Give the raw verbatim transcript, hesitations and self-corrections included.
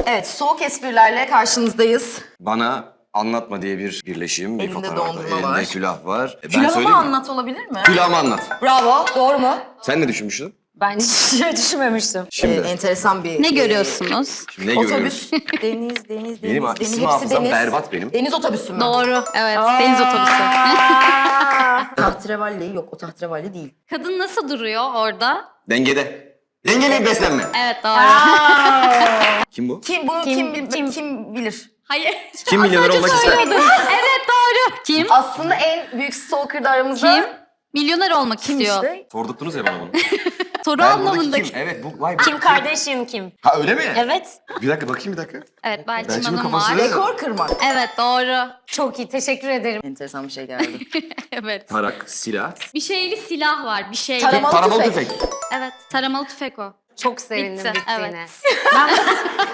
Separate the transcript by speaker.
Speaker 1: Evet, soğuk esprilerle karşınızdayız.
Speaker 2: Bana anlatma diye bir birleşim, bir
Speaker 1: Elinde
Speaker 2: fotoğraf
Speaker 1: dondurma
Speaker 2: Elinde
Speaker 1: var.
Speaker 2: külah var. E, ben
Speaker 1: Külahımı
Speaker 2: söyleyeyim mi?
Speaker 1: anlat olabilir mi?
Speaker 2: Külahımı anlat.
Speaker 1: Bravo, doğru mu?
Speaker 2: Sen ne düşünmüştün?
Speaker 3: Ben hiç şey düşünmemiştim.
Speaker 2: Şimdi,
Speaker 1: Ee, enteresan bir...
Speaker 4: Ne
Speaker 1: e,
Speaker 4: görüyorsunuz?
Speaker 2: şimdi ne görüyoruz?
Speaker 1: Otobüs, deniz, deniz, deniz,
Speaker 2: Benim
Speaker 1: deniz,
Speaker 2: isim
Speaker 1: hepsi
Speaker 2: hafızam
Speaker 1: deniz.
Speaker 2: berbat benim.
Speaker 1: Deniz otobüsü mü?
Speaker 4: Doğru. Evet. Deniz otobüsü.
Speaker 1: Tahterevalli yok, o tahterevalli değil.
Speaker 4: Kadın nasıl duruyor orada?
Speaker 2: Dengede. Dengeli beslenme.
Speaker 4: Evet doğru.
Speaker 2: Kim bu?
Speaker 1: Kim bunu kim, kim, kim, bilir?
Speaker 4: Hayır.
Speaker 2: Kim milyoner olmak ister?
Speaker 4: Evet doğru. Kim?
Speaker 1: Aslında en büyük stalker da aramızda.
Speaker 4: Kim? Milyoner olmak
Speaker 1: Kim
Speaker 4: istiyor.
Speaker 1: işte?
Speaker 2: Sordurttunuz ya bana bunu.
Speaker 4: Soru
Speaker 2: Ben buradaki
Speaker 4: anlamındaki.
Speaker 2: kim? Evet bu vay be.
Speaker 3: Kim Kardashian kim?
Speaker 2: Ha öyle mi?
Speaker 3: Evet.
Speaker 2: Bir dakika bakayım bir dakika.
Speaker 4: Evet Belçin
Speaker 2: Belçin'in
Speaker 4: Hanım
Speaker 2: kafası-
Speaker 4: var.
Speaker 1: Rekor kırmak.
Speaker 4: Evet doğru.
Speaker 3: Çok iyi. Teşekkür ederim.
Speaker 1: Enteresan bir şey geldi.
Speaker 4: Evet.
Speaker 2: Tarak, silah.
Speaker 4: Bir şeyli silah var. Bir şeyli.
Speaker 1: Taramalı
Speaker 2: Taramalı
Speaker 1: tüfek.
Speaker 2: tüfek.
Speaker 4: Evet. Taramalı tüfek o.
Speaker 3: Çok sevindim
Speaker 4: Bitti,
Speaker 3: bittiğine.
Speaker 4: evet.